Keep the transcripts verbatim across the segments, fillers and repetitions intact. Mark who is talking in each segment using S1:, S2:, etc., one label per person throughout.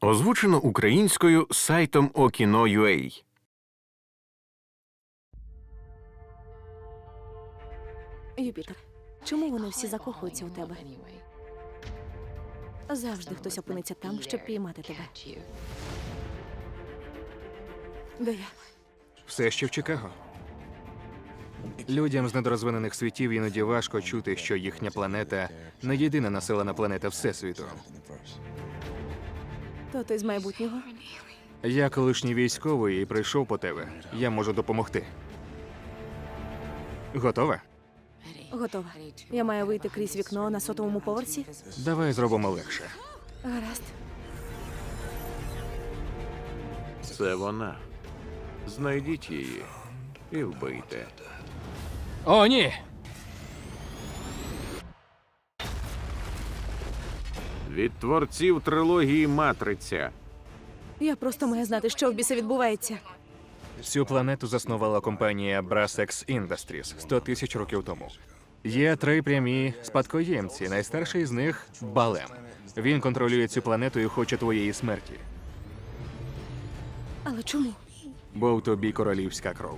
S1: Озвучено українською сайтом Okino.ua.
S2: Юпітер, чому вони всі закохуються у тебе? Завжди хтось опиниться там, щоб піймати тебе. Де я?
S3: Все ще в Чикаго. Людям з недорозвинених світів іноді важко чути, що їхня планета не єдина населена планета Всесвіту.
S2: То ти з майбутнього?
S3: Я колишній військовий і прийшов по тебе. Я можу допомогти. Готова?
S2: Готова. Я маю вийти крізь вікно на сотовому поверсі?
S3: Давай зробимо легше.
S2: Гаразд.
S1: Це вона. Знайдіть її і вбийте.
S3: О, ні!
S1: Від творців трилогії «Матриця».
S2: Я просто маю знати, що в біса відбувається.
S3: Цю планету заснувала компанія Brassex Industries сто тисяч років тому. Є три прямі спадкоємці. Найстарший з них – Балем. Він контролює цю планету і хоче твоєї смерті.
S2: Але чому?
S3: Бо в тобі королівська кров.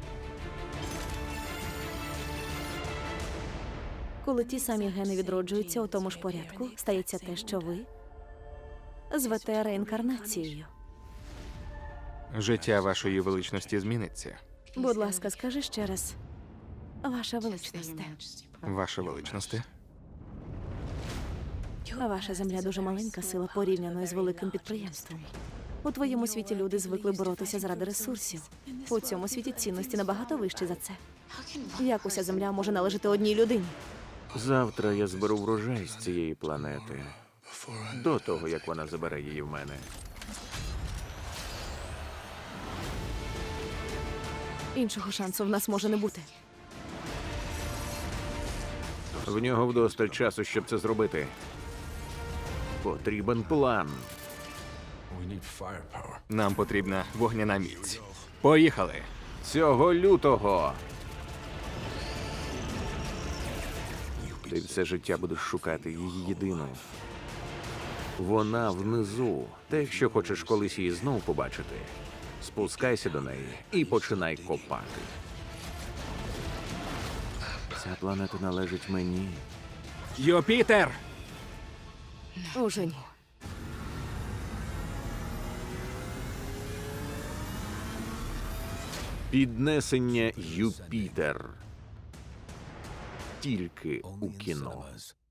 S2: Коли ті самі гени відроджуються у тому ж порядку, стається те, що ви звете реінкарнацією.
S3: Життя вашої величності зміниться.
S2: Будь ласка, скажи ще раз. Ваша величність.
S3: Ваша величність.
S2: Ваша земля дуже маленька сила порівняно з великим підприємством. У твоєму світі люди звикли боротися заради ресурсів. У цьому світі цінності набагато вищі за це. Як уся земля може належати одній людині?
S1: Завтра я зберу врожай з цієї планети. До того, як вона забере її в мене.
S2: Іншого шансу в нас може не бути.
S1: В нього вдосталь часу, щоб це зробити. Потрібен план.
S3: Нам потрібна вогняна міць. Поїхали!
S1: Цього лютого. Ти все життя будеш шукати її єдину. Вона внизу. Та якщо хочеш колись її знову побачити, спускайся до неї і починай копати. Ця планета належить мені.
S3: Юпітер!
S2: Уже ні.
S1: Піднесення Юпітер. Тільки у кіно.